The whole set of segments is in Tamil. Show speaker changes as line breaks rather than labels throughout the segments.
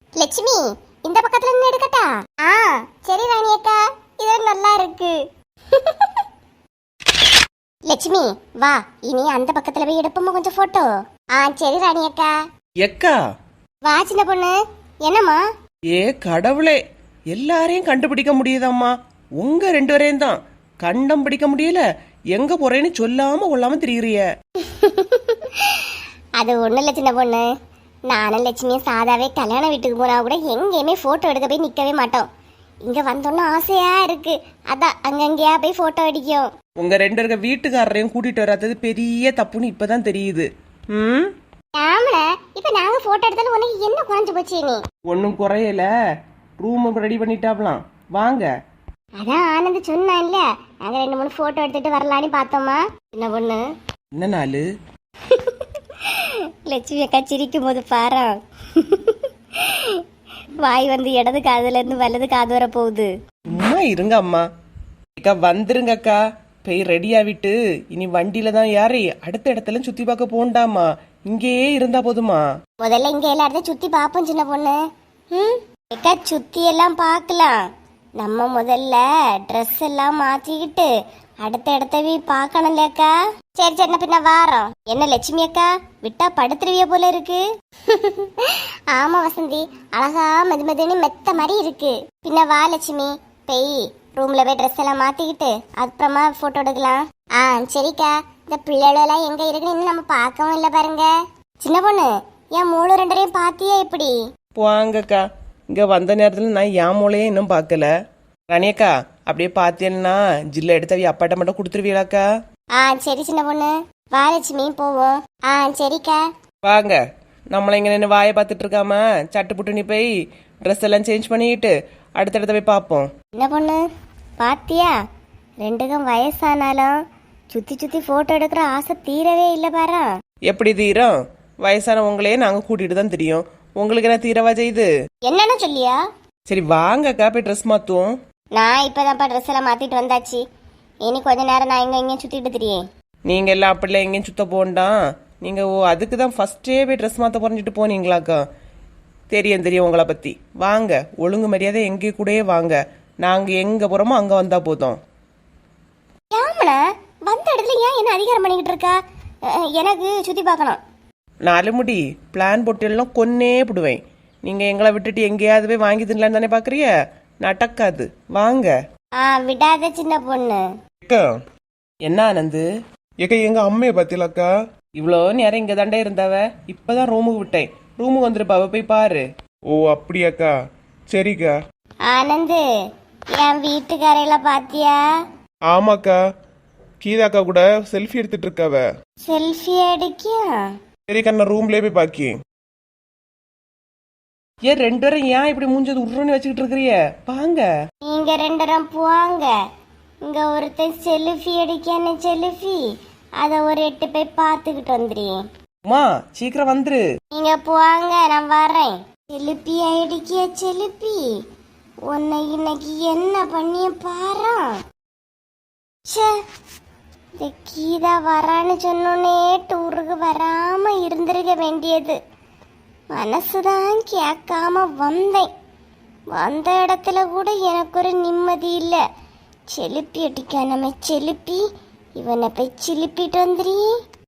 லட்சுமி, இந்த பக்கத்துல இருந்து எடுக்கட்டா? ஆ சரி ராணி அக்கா, இது நல்லா இருக்கு. லட்சுமி வா, இனி அந்த பக்கத்துல போய் எடுப்போமா கொஞ்சம் போட்டோ. ஆ சரி ராணி அக்கா.
எக்கா
வா சின்ன பொண்ணு. என்னம்மா?
ஏ கடவுளே, எல்லாரையும் கண்டுபிடிக்க முடியுதம்மா, உங்க ரெண்டு பேரையும் தான் கண்டம் பிடிக்க முடியல. எங்க போறேன்னு சொல்லாம கொள்ளாம திரியுறிய.
அது ஒண்ணு இல்ல சின்ன பொண்ணு, நானும் லட்சுமியும் சாதாவே கல்யாண வீட்டுக்கு போனா கூட எங்கேயுமே போட்டோ எடுக்க போய் நிக்கவே மாட்டோம். இங்க வந்தோன்னு ஆசையா இருக்கு, அதான் அங்கங்கேயா போய் போட்டோ அடிக்கும்.
உங்க ரெண்டு இருக்க வீட்டுக்காரரையும் கூட்டிட்டு வராதது பெரிய தப்புன்னு இப்பதான் தெரியுது. ம்,
ஆமல, இப்ப நாங்க போட்டோ எடுத்தாலும் உனக்கு என்ன குறைஞ்சு போச்சு நீ?
ஒன்னும் குறையல. ரூம் ரெடி பண்ணிட்டாப்லாம், வாங்க.
அதான் ஆனந்த் சொன்னான்ல, நாங்க 2-3 போட்டோ எடுத்துட்டு வரலான்னு பார்த்தோமா சின்ன பொண்ணு.
என்ன நாளு?
லட்சுமி அக்கா சிரிக்கும் போது பாரா, வாய் வந்து இடது காதுல இருந்து வலது காது வர போகுது.
சும்மா இருங்க அம்மா. அக்கா வந்துருங்க அக்கா, போய் ரெடி ஆகிட்டு இனி வண்டியில தான் யாரே அடுத்த இடத்துல சுத்தி பார்க்க போண்டாமா, இங்கேயே இருந்தா போதுமா?
முதல்ல இங்க எல்லா இடத்தையும் சுத்தி பாப்போம் சின்ன பொண்ணு. அக்கா சுத்தி எல்லாம் பார்க்கலாம், நம்ம முதல்ல ட்ரெஸ் எல்லாம் மாத்திக்கிட்டு அடுத்த இடத்த போய் பார்க்கணும்லக்கா. சரி சரி, பின்ன வாரோம். என்ன லட்சுமி அக்கா, விட்டா படுத்துருவிய போல இருக்கு. ஆமா வசந்தி, அழகா மெதுமெதுன்னு மெத்த மாதிரி இருக்கு. பின்ன வா லட்சுமி, போய் ரூம்ல போய் ட்ரெஸ் எல்லாம் மாத்திக்கிட்டு அப்புறமா போட்டோ எடுக்கலாம். ஆ சரிக்கா. இந்த பிள்ளைகளெல்லாம் எங்க இருக்குன்னு இன்னும் நம்ம பார்க்கவும் இல்லை பாருங்க. சின்ன பொண்ணு, என் 3-2 பாத்தியா எப்படி?
வாங்கக்கா, இங்க வந்த நேரத்துல நான் என் மூளையே இன்னும் பார்க்கல. ரணியக்கா அப்படியே பார்த்தேன்னா ஜில்ல எடுத்தவி அப்பாட்ட மட்டும் கொடுத்துருவீங்களாக்கா?
ஆ சரி சின்ன பொண்ணு, வா லட்சுமி போவோம். ஆ சரிக்கா.
வாங்க, நம்மள இங்க நின்று வாயை பார்த்துட்டு இருக்காம சட்டு புட்டு நீ போய் ட்ரெஸ் எல்லாம் சேஞ்ச் பண்ணிக்கிட்டு அடுத்த இடத்த போய் பார்ப்போம்.
என்ன பொண்ணு பாத்தியா, ரெண்டுக்கும் வயசானாலும் சுத்தி சுத்தி போட்டோ எடுக்கிற ஆசை தீரவே இல்லை பாரா.
எப்படி தீரும்? வயசான உங்களையே நாங்க கூட்டிட்டு தான் தெரியும், உங்களுக்கு என்ன தீரவா செய்யுது?
என்னன்னு சொல்லியா?
சரி வாங்கக்கா, போய் ட்ரெஸ் மாத்துவோம்.
நான் இப்பதான்ப்பா ட்ரெஸ் எல்லாம் மாத்திட்டு வந்தாச்சு. இனி கொஞ்ச நேரம் நான் இங்கேயும் சுத்திட்டு திரியே.
நீங்க எல்லாம் அப்படிலாம் எங்கேயும் சுத்த போண்டாம். நீங்க அதுக்கு தான் ஃபர்ஸ்டே போய் ட்ரெஸ் மாத்த போறஞ்சிட்டு போனீங்களாக்கா? தெரியும் தெரியும் உங்களை பத்தி. வாங்க, ஒழுங்கு மரியாதை எங்க கூடயே வாங்க, நாங்க எங்க போறோமோ அங்க வந்தா போதும்.
ஏமல வந்த இடத்துல ஏன் என்ன அதிகாரம் பண்ணிக்கிட்டு இருக்கா? எனக்கு சுத்தி பார்க்கணும்.
4 முடி பிளான் போட்டு எல்லாம் கொன்னே போடுவேன். நீங்க எங்களை விட்டுட்டு எங்கேயாவது போய் வாங்கி தின்னலான்னு தானே பாக்குறிய? நடக்காது, வாங்க.
விடாத சின்ன பொண்ணு.
என்ன ஆனந்து?
ஏக்கா எங்க அம்மையை பாத்தீங்களாக்கா?
இவ்வளோ நேரம் இங்க தாண்டே இருந்தவ, இப்பதான் ரூமுக்கு விட்டேன். ரூமுக்கு வந்துருப்பாவ, போய் பாரு.
ஓ அப்படியாக்கா, சரிக்கா.
ஆனந்து, என் வீட்டுக்காரையில பாத்தியா?
ஆமாக்கா, கீதாக்கா கூட செல்ஃபி எடுத்துட்டு இருக்காவ.
செல்ஃபி அடிக்கியா?
சரிக்கா, நான் ரூம்லயே போய் பாக்கி.
ஏன் 2 பேரும் ஏன் இப்படி மூஞ்சது உருன்னு வச்சுக்கிட்டு இருக்கிறிய? வாங்க.
நீங்க 2 பேரும் போவாங்க. இங்க ஒருத்தன் செல்ஃபி அடிக்கான செல்ஃபி, அத ஒரு 8 போய் பார்த்துக்கிட்டு வந்துடுறேன்.
அம்மா சீக்கிரம் வந்துரு.
நீங்க போவாங்க, நான் வரேன். செல்ஃபி அடிக்கிய செல்ஃபி, உன்னை இன்னைக்கு என்ன பண்ணிய பாரா. இந்த கீதா வரான்னு சொன்னோன்னே டூருக்கு வராம இருந்திருக்க வேண்டியது. மனசுதான் கேட்காம வந்தேன். வந்த இடத்துல கூட எனக்கு ஒரு நிம்மதி இல்லை. செலுப்பி அடிக்கா நம்ம செலுப்பி, இவனை போய் சிலுப்பிட்டு வந்துடுறீ.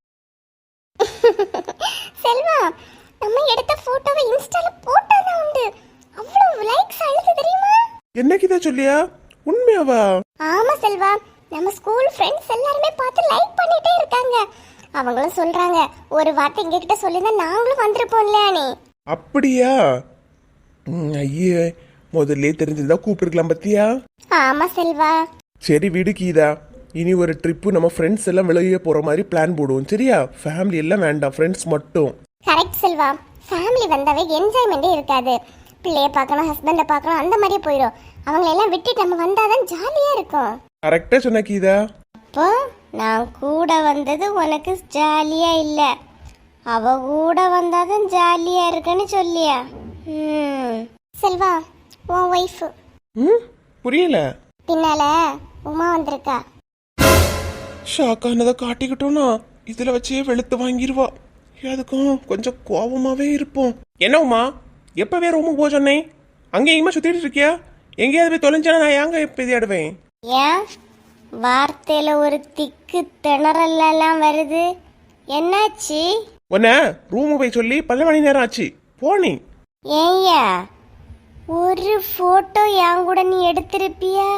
செல்வா, நம்ம எடுத்த போட்டோவை இன்ஸ்டால போட்டாதான் உண்டு. அவ்வளவு லைக்ஸ் அழுது தெரியுமா?
என்ன கீதா சொல்லியா? உண்மையாவா?
ஆமா செல்வா, நம்ம ஸ்கூல் ஃப்ரெண்ட்ஸ் எல்லாருமே பார்த்து லைக் பண்ணிட்டே இருக்காங்க. அவங்களும் சொல்றாங்க, ஒரு வார்த்தை எங்க கிட்ட சொல்லிருந்தா நாங்களும் வந்திருப்போம்ல. நீ
அப்படியா? ஐயே, முதல்ல தெரிஞ்சிருந்தா கூப்பிட்டுருக்கலாம் பத்தியா?
ஆமா செல்வா.
சரி விடு கீதா, இனி ஒரு ட்ரிப்பு நம்ம ஃப்ரெண்ட்ஸ் எல்லாம் வெளியே போற மாதிரி பிளான் போடுவோம், சரியா? ஃபேமிலி எல்லாம் வேண்டாம், ஃப்ரெண்ட்ஸ் மட்டும்.
கரெக்ட் செல்வா, ஃபேமிலி வந்தாவே என்ஜாய்மெண்டே இருக்காது. பிள்ளைய பார்க்கணும், ஹஸ்பண்டை பார்க்கணும், அந்த மாதிரியே போயிடும். அவங்களை எல்லாம் விட்டுட்டு நம்ம வந்தாதான் ஜாலியா இருக்கும்.
கரெக்டா சொன்ன கீதா.
அப்போ நான் கூட வந்தது உனக்கு ஜாலியா இல்ல, அவ கூட வந்தாதான் ஜாலியா இருக்குன்னு சொல்லியா? செல்வா, உன் ஒய்ஃப்
புரியல.
பின்னால உமா வந்திருக்கா.
ஷாக்கானதை காட்டிக்கிட்டோம்னா இதுல வச்சே வெளுத்து வாங்கிடுவா. அதுக்கும் கொஞ்சம் கோபமாவே இருப்போம். என்ன உமா, எப்பவே ரூமுக்கு போக சொன்னேன் அங்கே எங்கேயுமா சுத்திட்டு இருக்கியா? எங்கேயாவது போய் தொலைஞ்சானா நான் ஏங்க இப்போ தேடுவேன்?
ஏன் வார்த்தையில ஒரு திக்கு திணறல் எல்லாம் வருது, என்னாச்சு?
உன்ன ரூமுக்கு போய் சொல்லி 12 மணி நேரம் ஆச்சு போனி.
ஏய்யா, ஒரு போட்டோ என் கூட நீ எடுத்திருப்பியா?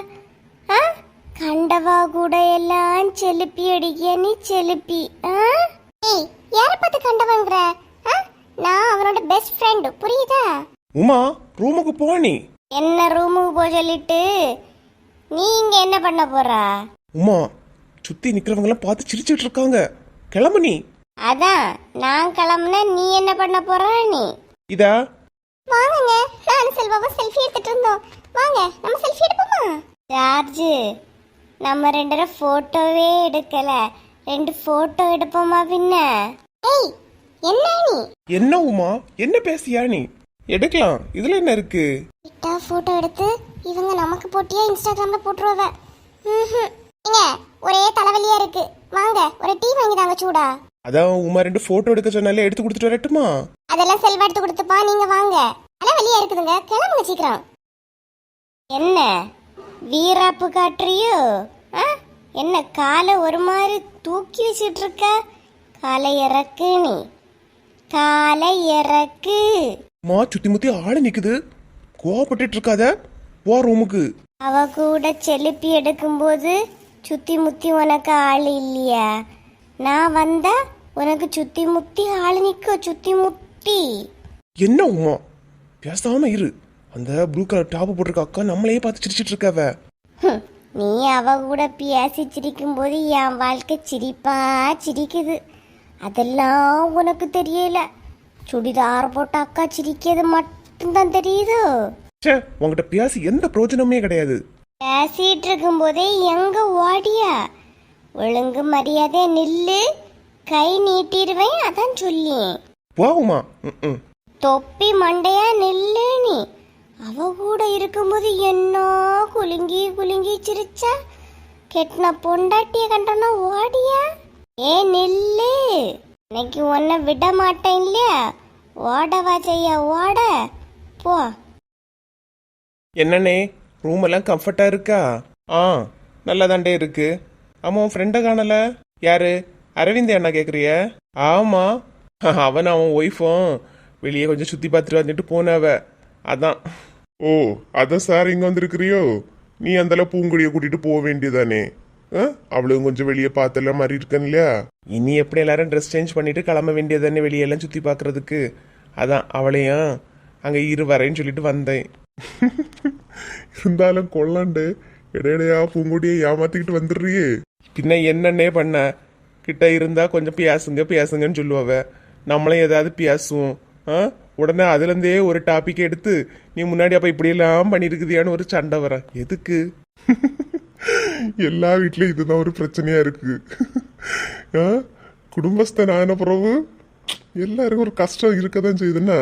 கண்டவா கூட எல்லாம் செலுப்பி அடிக்க நீ செலுப்பி. யார பார்த்து கண்டவங்கிற? நான் அவனோட பெஸ்ட் ஃப்ரெண்ட், புரியுதா?
உமா ரூமுக்கு போனி.
என்ன ரூமுக்கு போக சொல்லிட்டு நீ இங்க என்ன பண்ண போறா?
உமா சுத்தி நிக்கிறவங்க எல்லாம் பார்த்து சிரிச்சிட்டு இருக்காங்க, கிளம்பு நீ.
அதான் நான் கிளம்புன, நீ என்ன பண்ண போற? நீ
இதா
வாங்குங்க, நான் செல்வாவும் செல்ஃபி எடுத்துட்டு இருந்தோம். வாங்க நம்ம செல்ஃபி எடுப்போமா? ஜார்ஜ், நம்ம 2 பேரும் போட்டோவே எடுக்கல, 2 போட்டோ எடுப்போமா பின்ன? ஏய் என்ன நீ?
என்ன உமா என்ன பேசியா நீ? எடுக்கலாம், இதுல என்ன இருக்கு?
கிட்டா போட்டோ எடுத்து இவங்க நமக்கு போட்டியா இன்ஸ்டாகிராம்ல போட்டுருவ. இங்க ஒரே தலைவலியா இருக்கு, வாங்க ஒரு டீ வாங்கி தாங்க சூடா.
அதான் உமா 2 போட்டோ எடுக்க சொன்னாலே எடுத்து கொடுத்துட்டு வரட்டுமா?
அதெல்லாம் செல்வா எடுத்து கொடுத்துப்பா, நீங்க வாங்க. தலைவலியா இருக்குதுங்க, கிளம்புங்க சீக்கிரம். என்ன வீராப்பு காட்டுறியோ? என்ன காலை ஒரு மாதிரி தூக்கி வச்சுட்டு இருக்க? காலை இறக்கு, நீ காலை இறக்கு.
மா சுத்தி முத்தி ஆளு நிக்குது, கோவப்பட்டு இருக்காத, போ ரூமுக்கு.
அவ கூட செலுப்பி எடுக்கும்போது சுத்தி முத்தி உனக்கு ஆள் இல்லையா? நான் வந்தா உனக்கு சுத்தி முத்தி ஆள் நிக்க, சுத்தி முத்தி.
என்ன உமா பேசாம இரு, அந்த ப்ளூ கலர் டாப் போட்டிருக்க அக்கா நம்மளையே பார்த்து சிரிச்சிட்டு இருக்காவ.
நீ அவ கூட பேசி சிரிக்கும் போது என் வாழ்க்கை சிரிப்பா சிரிக்குது, அதெல்லாம் உனக்கு தெரியல. சுடிதார் போட்ட அக்கா சிரிக்கிறது மட்டும்தான் தெரியுதோ?
சே, உங்ககிட்ட பேசி எந்த பிரயோஜனமே கிடையாது.
பேசிட்டு இருக்கும் போதே எங்க ஓடியா? ஒழுங்கு மரியாதை நில்லு, கை நீட்டிடுவேன், அதான் சொல்லி.
போகுமா?
தொப்பி மண்டையா நில்லு நீ. அவ கூட இருக்கும்போது என்ன குலுங்கி குலுங்கி சிரிச்சா, கெட்டின பொண்டாட்டிய கண்டனா ஓடியா? ஏ நில்லு, இன்னைக்கு உன்னை விட மாட்டேன் இல்லையா? ஓடவா செய்ய, ஓட போ.
என்னண்ணே ரூம் எல்லாம் கம்ஃபர்ட்டா இருக்கா? நல்லா தாண்டே இருக்கு. ஆமா உன் ஃப்ரெண்டை காணல. யாரு? அரவிந்த் அண்ணா கேக்குறிய? ஆமா, அவன் அவன் ஒய்ஃபும் வெளியே கொஞ்சம் சுத்தி பார்த்துட்டு வந்துட்டு போனவ, அதான்.
ஓ அதான் சார் இங்க வந்திருக்கிறியோ? நீ அந்த பூங்குடியை கூட்டிட்டு போக வேண்டியதானே? அவளும் கொஞ்சம் வெளியே பார்த்தல மாதிரி இருக்கன் இல்லையா?
இனி எப்படி எல்லாரும் ட்ரெஸ் சேஞ்ச் பண்ணிட்டு கிளம்ப வேண்டியதானே வெளியெல்லாம் சுத்தி பார்க்கறதுக்கு, அதான் அவளையும் அங்க வரேன்னு சொல்லிட்டு வந்தேன்.
இருந்தாலும் கொள்ளாண்டு இடையிடையா பூங்குடியை ஏமாத்திக்கிட்டு வந்துடுறியே.
பின்ன என்னன்னே பண்ண, கிட்ட இருந்தா கொஞ்சம் பேசுங்கன்னு சொல்லுவாவ, நம்மளும் ஏதாவது பேசுவோம். உடனே அதுல இருந்தே ஒரு டாபிக் எடுத்து நீ முன்னாடி அப்ப இப்படி எல்லாம் பண்ணிருக்குதியான்னு ஒரு சண்டை வர. எதுக்கு?
எல்லா வீட்லயும் இதுதான் ஒரு பிரச்சனையா இருக்கு. குடும்பஸ்தன் ஆன பிறகு எல்லாருக்கும் ஒரு கஷ்டம் இருக்கதான் செய்யுதுன்னா.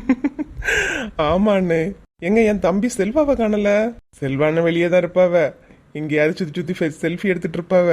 ஆமாண்ணே. எங்க என் தம்பி செல்வாவை காணல. செல்வான வெளியே தான் இருப்பாவ, எங்கேயாவது சுத்தி சுத்தி செல்ஃபி எடுத்துட்டு இருப்பாவ.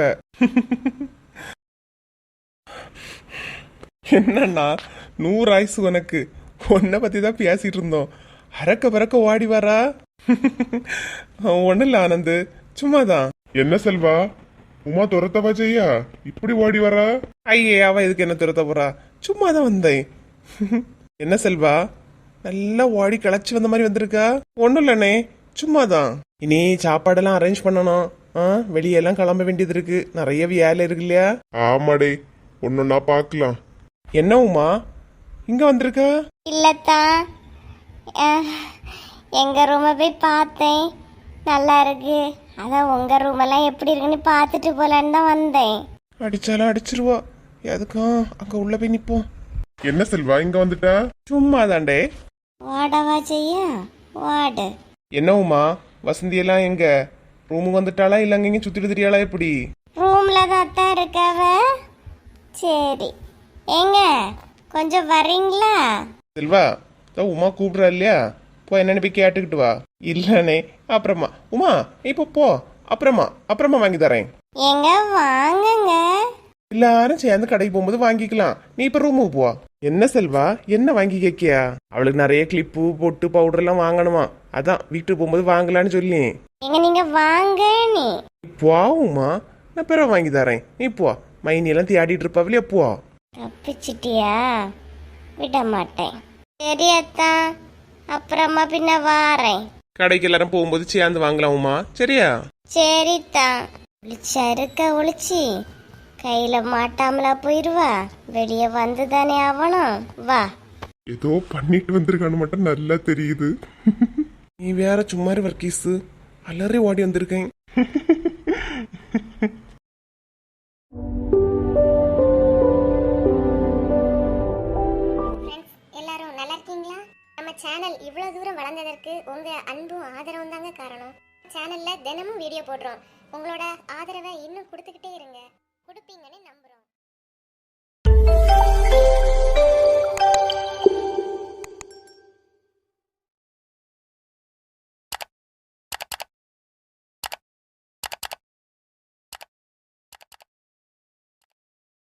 என்னன்னா 100 ஆயுசு உனக்கு, உன்னை பத்தி தான் பேசிட்டு இருந்தோம். அறக்க பறக்க ஓடி வரா. ஒண்ணு இல்ல ஆனந்து, சும்மாதான்.
என்ன செல்வா, உமா துரத்தவா செய்யா இப்படி ஓடி வரா?
ஐயே, அவ இதுக்கு என்ன துரத்த போறா? சும்மாதான் வந்தேன். என்ன செல்வா, நல்லா ஓடி கிளச்சி வந்த மாதிரி வந்திருக்கா? ஒண்ணும் இல்லண்ணே, சும்மாதான். இனி சாப்பாடெல்லாம் அரேஞ்ச் பண்ணணும். வெளியெல்லாம் கிளம்ப வேண்டியது இருக்கு, நிறைய வேலை இருக்கு இல்லையா?
ஆமாடே, ஒன்னொன்னா பாக்கலாம்.
என்ன உமா இங்க வந்திருக்கா?
இல்லத்தா, எங்க ரூமை போய் பார்த்தேன், நல்லா இருக்கு. அதான் உங்க ரூம் எல்லாம் எப்படி இருக்குன்னு பார்த்துட்டு போலான்னு தான் வந்தேன்.
அடிச்சாலும் அடிச்சிருவா, எதுக்கும் அங்க உள்ள போய் நிப்போம்.
என்ன செல்வா இங்க வந்துட்டா?
சும்மாதாண்டே.
வாடவா செய்ய, வாடு.
என்ன உமா, வசந்தி எல்லாம் எங்க? ரூமுக்கு வந்துட்டாளா இல்ல அங்க சுத்திட்டு திரியாளா? எப்படி?
ரூம்ல தான் இருக்காவ. சரி, ஏங்க கொஞ்சம் வரீங்களா?
செல்வா, உமா கூப்பிடுறா இல்லையா, போ என்னன்னு போய் கேட்டுக்கிட்டு வா. இல்லனே, அப்புறமா. உமா இப்போ போ, அப்புறமா வாங்கி தரேன்.
எங்க வாங்குங்க.
எல்லாரும் சேர்ந்து கடைக்கு போகும்போது வாங்கிக்கலாம். நீ இப்ப ரூமுக்கு போ. என்ன செல்வா, என்ன வாங்கி கேக்கியா? அவளுக்கு நிறைய கிளிப்பு பொட்டு பவுடர் எல்லாம் வாங்கணுமா, அதான் வீட்டுக்கு போகும்போது வாங்கலான்னு சொல்லி.
எங்க நீங்க வாங்க நீ.
போவுமா, நான் பிறகு வாங்கி தரேன். நீ போ. மைனி எல்லாம் தேடிட்டு இருப்பாவிலே, போ.
தப்பிச்சிட்டியா? விட மாட்டேன். சரி அத்தா, அப்புறமா பின்ன வாரேன்.
கடைக்கு எல்லாரும் போகும்போது சேர்ந்து வாங்கலாமா, சரியா?
சரித்தா. ஒளிச்சா இருக்க ஒளிச்சி கையில மாட்டாமலா போயிருவா. வெளியே வந்துதானே ஆவணும். வா.
ஏதோ பண்ணிட்டு வந்திருக்கான்னு மட்டும் நல்லா தெரியுது.
நீ வேற சும்மா வர்க்கீஸ், அலறி ஓடி வந்திருக்கேன்.
எல்லாரும் நல்லா இருக்கீங்களா? நம்ம சேனல் இவ்வளவு தூரம் வளர்ந்ததற்கு உங்க அன்பும் ஆதரவும் தாங்க காரணம். சேனல்ல தினமும் வீடியோ போடுறோம். உங்களோட ஆதரவை இன்னும் கொடுத்துக்கிட்டே இருங்க. கொடுப்பீங்கன்னு நம்ப